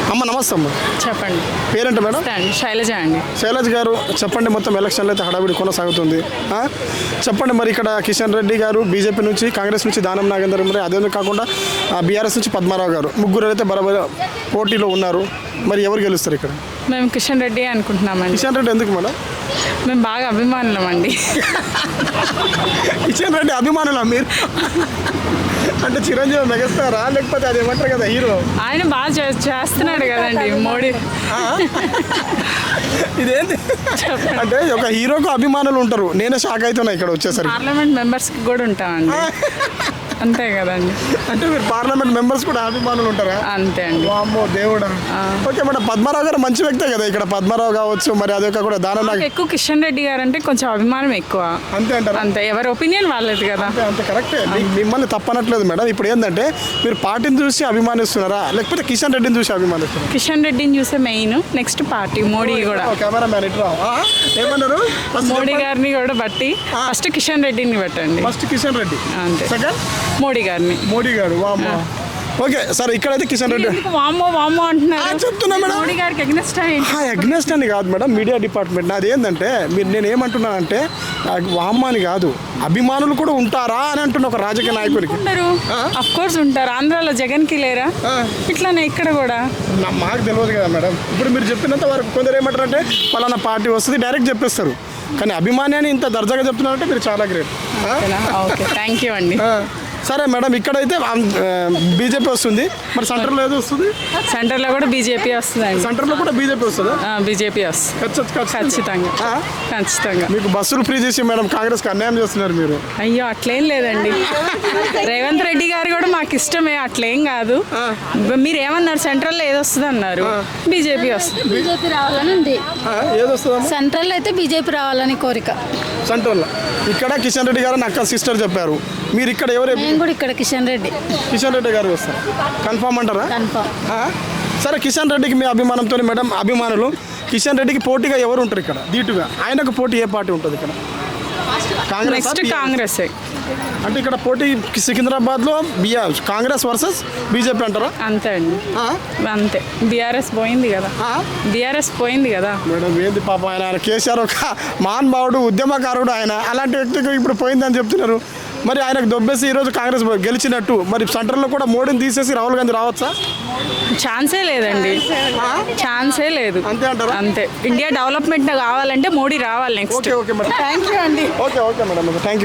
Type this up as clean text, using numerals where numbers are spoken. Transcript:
అమ్మ నమస్తే అమ్మ. చెప్పండి. పేరేంట మేడం? శైలజ అండి. శైలజ్ గారు చెప్పండి, మొత్తం ఎలక్షన్లు అయితే హడావిడి కొనసాగుతుంది. చెప్పండి మరి ఇక్కడ కిషన్ రెడ్డి గారు బీజేపీ నుంచి, కాంగ్రెస్ నుంచి దానం నాగేందర్, మరి అదే కాకుండా బీఆర్ఎస్ నుంచి పద్మారావు గారు, ముగ్గురు అయితే బరాబర్ పోటీలో ఉన్నారు. మరి ఎవరు గెలుస్తారు ఇక్కడ? మేము కిషన్ రెడ్డి అనుకుంటున్నామండి. కిషన్ రెడ్డి ఎందుకు మేడం? మేము బాగా అభిమానులం అండి. కిషన్ రెడ్డి అభిమానులా మీరు? అంటే చిరంజీవి మెగాస్టారా, లేకపోతే అది ఏమంటారు కదా హీరో? ఆయన బాగా చేస్తున్నాడు కదండి మోడీ. ఇదేంటి అంటే ఒక హీరోకు అభిమానులు ఉంటారు. నేనే షాక్ అవుతున్నా ఇక్కడ వచ్చేసరికి. పార్లమెంట్ మెంబర్స్కి కూడా ఉంటామండి. అంతే కదండి. అంటే మీరు పార్లమెంట్ మెంబర్స్ కూడా అభిమానులు ఉంటారా? అంతే అండి. వామ్మో దేవుడా. ఓకే మేడం, పద్మారావు గారు మంచి వ్యక్తే కదా ఇక్కడ. పద్మారావు కావచ్చు, మరి అదే కూడా దానం ఎక్కువ కిషన్ రెడ్డి గారు అంటే కొంచెం అభిమానం ఎక్కువ. అంతే అంటారు. అంతే, ఎవరి ఒపీనియన్ వాళ్ళది కదా. అంతే కరెక్టే. మిమ్మల్ని తప్పనట్లేదు మేడం. ఇప్పుడు ఏంటంటే మీరు పార్టీని చూసి అభిమానిస్తున్నారా, లేకపోతే కిషన్ రెడ్డిని చూసి అభిమానిస్తున్నారా? కిషన్ రెడ్డిని చూసే మెయిన్, నెక్స్ట్ పార్టీ మోడీ కూడా. కెమెరా మ్యాన్ ఇట్లా ఏమన్నారు? మోడీ గారిని కూడా బట్టి ఫస్ట్ కిషన్ రెడ్డిని పెట్టండి. ఫస్ట్ కిషన్ రెడ్డి, అంతే. సెకండ్ మోడీ గారిని. మోడీ గారు. వామ్మో. ఓకే సరే, ఇక్కడైతే కిషన్ రెడ్డి. వామ్మో వామ్మో అంటున్నారు. చెప్తున్నా మేడం, మోడీ గారికి అగ్నెస్ట్ అగ్నెస్ట్ అని కాదు మేడం, మీడియా డిపార్ట్మెంట్. నాది ఏంటంటే నేను ఏమంటున్నానంటే వామ్మ అని కాదు, అభిమానులు కూడా ఉంటారా అని అంటున్నా ఒక రాజకీయ నాయకుడికి. ఉంటారు, అఫ్ కోర్స్ ఉంటారు. ఆంధ్రాలో జగన్ కి లేరా? ఇట్లానే ఇక్కడ కూడా. మాకు తెలియదు కదా మేడం. ఇప్పుడు మీరు చెప్పినంత వరకు కొందరు ఏమంటారంటే పలానా పార్టీ వస్తుంది డైరెక్ట్ చెప్పేస్తారు. కానీ అభిమాని అని ఇంత దర్జాగా చెప్తున్నారంటే మీరు చాలా గ్రేట్. ఓకే, థ్యాంక్ యూ అండి. సరే మేడం, ఇక్కడైతే బీజేపీ వస్తుంది. మరి సెంటర్లో ఏదో వస్తుంది? సెంటర్లో కూడా బీజేపీ వస్తుందండి. సెంటర్లో కూడా బీజేపీ వస్తుందా? బీజేపీ వస్తుంది ఖచ్చితంగా. ఖచ్చితంగా. మీకు బస్సులు ఫ్రీ చేసి మేడం కాంగ్రెస్కి అన్యాయం చేస్తున్నారు మీరు. అయ్యో అట్లేం లేదండి. రేవంత్ రెడ్డి గారు కూడా మాకు ఇష్టమే, అట్లేం కాదు. మీరు ఏమన్నారు? సెంట్రల్లో ఏది వస్తుంది అన్నారు? బీజేపీ వస్తుంది. బీజేపీ రావాలని ఉంది. ఏది వస్తుంది? సెంట్రల్ అయితే బీజేపీ రావాలని కోరిక. సెంట్రల్లో ఇక్కడ కిషన్ రెడ్డి గారు అక్క సిస్టర్ చెప్పారు. మీరు ఇక్కడ ఎవరు? నేను కూడా ఇక్కడ కిషన్ రెడ్డి గారు వస్తారు. కన్ఫామ్ అంటారా? కన్ఫామ్. సరే, కిషన్ రెడ్డికి మీ అభిమానంతో మేడం, అభిమానులు కిషన్ రెడ్డికి పోటీగా ఎవరు ఉంటారు ఇక్కడ ధీటుగా? ఆయనకు పోటీ ఏ పార్టీ ఉంటుంది ఇక్కడ? నెక్స్ట్ కాంగ్రెస్. అంటే ఇక్కడ పోటీ సికింద్రాబాద్లో కాంగ్రెస్ వర్సెస్ బీజేపీ అంటారా? అంతే అండి, అంతే. బీఆర్ఎస్ పోయింది కదా. మేడం ఏంది పాప, ఆయన కేసీఆర్ ఒక మహానుభావుడు, ఉద్యమకారుడు. ఆయన అలాంటి వ్యక్తికి ఇప్పుడు పోయిందని చెప్తున్నారు. మరి ఆయనకు దొబ్బేసి ఈరోజు కాంగ్రెస్ గెలిచినట్టు, మరి సెంటర్లో కూడా మోడీని తీసేసి రాహుల్ గాంధీ రావచ్చా? ఛాన్సే లేదండి, ఛాన్సే లేదు. అంతే అంటారా? అంతే. ఇండియా డెవలప్మెంట్ కావాలంటే మోడీ రావాలి next. Okay madam, thank you అండి. Okay madam, thank you.